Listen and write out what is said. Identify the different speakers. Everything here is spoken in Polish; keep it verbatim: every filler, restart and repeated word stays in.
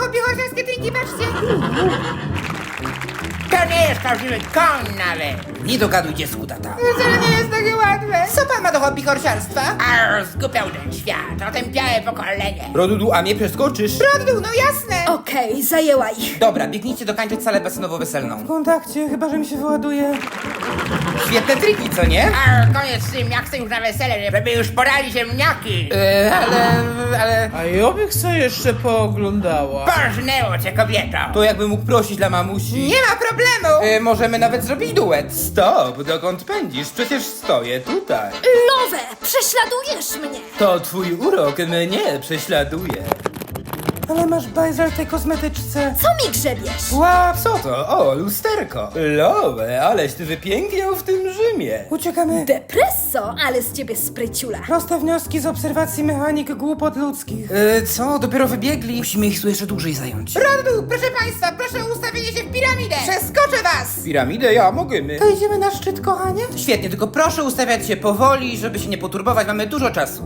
Speaker 1: hobby horsiarskie drinki, patrzcie.
Speaker 2: To nie jest prawdziwy koń nawet. Nie dogaduj dziecku, tata.
Speaker 1: Wcale nie jest takie łatwe. Co pan ma do hobby horsiarstwa?
Speaker 2: Arr, zgubiał ten świat, otępiałe pokolenie.
Speaker 3: Rodudu, a mnie przeskoczysz?
Speaker 1: Rodu, no jasne.
Speaker 4: Okej, zajęła ich.
Speaker 3: Dobra, biegnijcie dokończyć salę basenowo-weselną.
Speaker 1: W kontakcie, chyba że mi się wyładuje.
Speaker 3: Świetne triki, co nie?
Speaker 2: Arr, koniec z tym, ja chcę już na wesele, żeby już porali ziemniaki.
Speaker 3: E, ale, ale...
Speaker 5: A Joby co jeszcze pooglądała?
Speaker 2: Porżnęło cię, kobieto.
Speaker 3: To jakby mógł prosić dla mamusi.
Speaker 1: Nie ma problemu.
Speaker 3: E, możemy nawet zrobić duet. Stop, dokąd pędzisz? Przecież stoję tutaj.
Speaker 4: Nowe, prześladujesz mnie.
Speaker 3: To twój urok mnie prześladuje.
Speaker 1: Ale masz bajzel tej kosmetyczce.
Speaker 4: Co mi grzebiesz?
Speaker 1: Łap.
Speaker 3: Co to? O, lusterko. Lowe, aleś ty wypiękniał w tym Rzymie.
Speaker 1: Uciekamy.
Speaker 4: Depresso, ale z ciebie spryciula.
Speaker 1: Proste wnioski z obserwacji mechanik głupot ludzkich.
Speaker 3: E, co? Dopiero wybiegli? Musimy ich tu jeszcze dłużej zająć.
Speaker 1: Rodu, proszę państwa, proszę o ustawienie się w piramidę. Przeskoczę was.
Speaker 3: Piramidę ja możemy.
Speaker 1: To idziemy na szczyt, kochanie?
Speaker 3: Świetnie, tylko proszę ustawiać się powoli, żeby się nie poturbować, mamy dużo czasu.